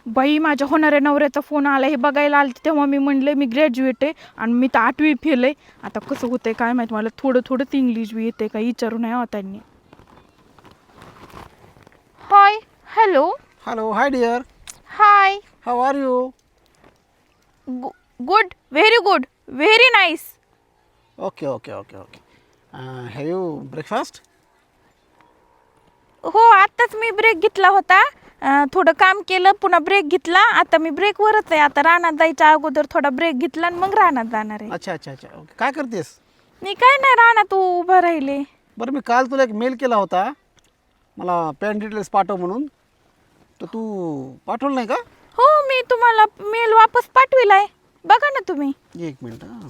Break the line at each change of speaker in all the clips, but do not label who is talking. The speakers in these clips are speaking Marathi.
बाई माझ्या होणाऱ्या नवऱ्याचा फोन आला हे बघायला आलं तेव्हा मी म्हणले मी ग्रॅज्युएट आहे आणि मी तर 8वी फेल आहे. आता कसं होतंय काय माहित मला थोडं थोडंच इंग्लिश बी येते काय विचारू नाही हो त्यांनी. Hi hello.
Hello, hi dear.
Hi.
How are you?
Good very good very nice.
Okay. Have you breakfast?
हो आत्ताच मी ब्रेक घेतला होता. थोडं काम केलं पुन्हा ब्रेक घेतला. आता मी ब्रेकवरच आहे. आता रानात जायच्या अगोदर थोडा ब्रेक घेतला आणि मग रानात जाणार आहे.
अच्छा. Okay. काय करतेस?
मी काय नाही रानात उभं राहिले.
बरं मी काल तुला एक मेल केला होता मला पॅन डिटेल्स पाठव म्हणून, तर तू पाठवलं नाही का?
हो मी तुम्हाला मेल वापस पाठविलाय बघा ना तुम्ही.
एक मिनिट हां,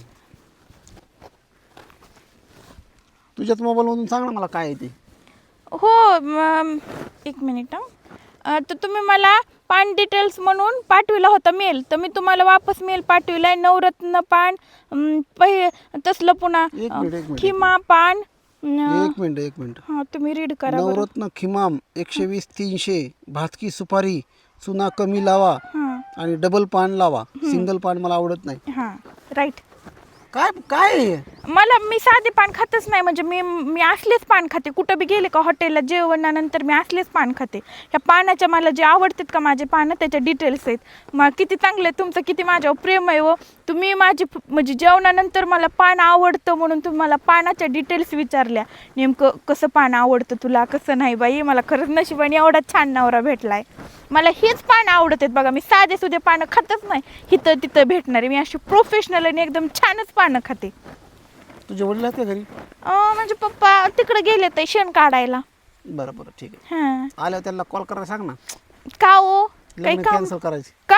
तुझ्याच मोबाईलमधून सांग ना मला काय आहे ते.
हो एक मिनिट तर तुम्ही मला पान डिटेल्स म्हणून पाठविला होता मेल तर मी तुम्हाला वापस मेल पाठविलाय. नवरत्न पान तसलं पुन्हा
एक मिनिट.
खिमा पान.
एक मिनिट.
हां तुम्ही रीड करा बरं.
नवरत्न खिमाम 120 300 भातकी सुपारी चुना कमी लावा
हां
आणि डबल पान लावा. सिंगल पान मला आवडत नाही.
हां राईट.
काय आहे?
मी साधे पान खातच नाही म्हणजे मी असलेच पान खाते. कुठं बी गेले का हॉटेलला जेवणानंतर मी असलेच पान खाते. ह्या पानाच्या मला जे आवडतात का माझे पानं त्याच्या डिटेल्स आहेत. मग किती चांगले तुमचं किती माझ्यावर प्रेम आहे व तुम्ही माझी म्हणजे जेवणानंतर मला पान आवडतं म्हणून तुम्ही मला पानाच्या डिटेल्स विचारल्या. नेमकं कसं पान आवडतं तुला कसं नाही. बाई मला खरंच नशिबाने एवढा छान नवरा भेटलाय. मला हेच पानं आवडत आहेत बघा. मी साधे सुधे पानं खातच नाही. इथं तिथं भेटणारे मी अशी प्रोफेशनल आणि एकदम छानच पानं खाते.
तुझे वडील आहेत का घरी?
म्हणजे पप्पा तिकडे गेले ते शेण काढायला.
बरं ठीक आहे.
हां
आल्यावर त्यांना कॉल करायला सांग ना.
का हो काही
लग्न
काम
कॅन्सल करायची.
का?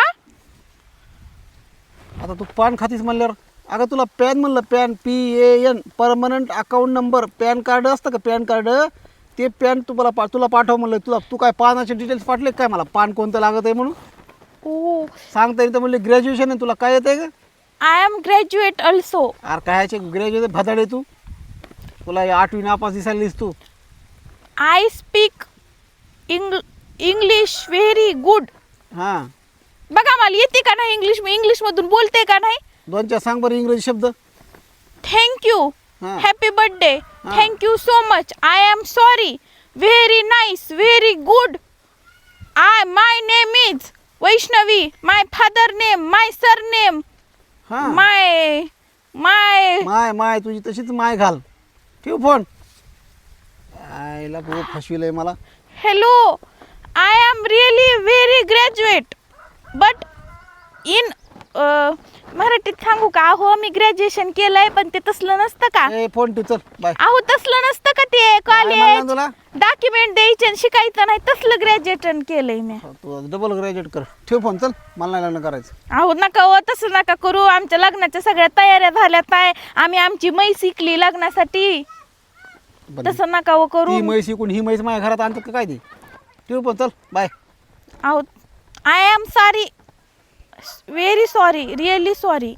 आता तू पान खातीस म्हणल्यावर अगं तुला पॅन म्हणलं PAN PAN permanent account number PAN card असतं का पॅन कार्ड ते पॅन तुला पाठव म्हणलं. तू काय पानाचे डिटेल्स पाठले काय मला पान कोणतं लागत आहे म्हणून
ओ
सांगता येईल तर म्हणले ग्रॅज्युएशन आहे तुला काय येत आहे का?
I am graduate also.
अरे कायचे ग्रॅज्युएट भदाडे तू तुला 8वी नापास दिसायलीस तू.
I speak English very good.
हां
बघा मला येते का नाही इंग्लिश. मी इंग्लिशमधून बोलते का नाही.
2-4 सांग बरं इंग्रजी शब्द.
थँक्यू
हां
happy birthday thank you so much I am sorry very nice very good my name is Vaishnavi my father name my sir name
हां
माय माय
माय तुझी तशीच माय घाल. ठेव फोन. आईला भाऊ फसविलंय मला.
Hello I am really very graduate but in मराठीत सांगू का. हो मी ग्रॅज्युएशन केलंय पण ते तसलं नसतं का.
ए फोन ठेव चल बाय.
अहो तसलं नसतं का ते
म्हणलं
कॉलेज
तुला
डॉक्युमेंट द्यायचे आणि शिकायचं नाही तसलं ग्रॅज्युएशन केलंय मी.
तू डबल ग्रॅज्युएट कर. ठेव फोन चल मला नाही लग्न करायचं.
अहो नका हो तसं नका करू. आमच्या लग्नाच्या सगळ्या तयाऱ्या झाल्यात आहे. आम्ही आमची म्हैस शिकली लग्नासाठी.
बरं.
तसं नका हो करू.
ती म्हैस इकून ही म्हैस माझ्या घरात आणतात का काय ती. ठेव फोन चल बाय.
अहो I am sorry very sorry really sorry.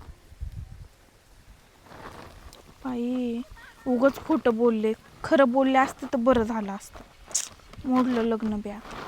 बाई उगाच खोटं बोलले. खरं बोलले असते तर बरं झालं असतं. मोडलं लग्न ब्या.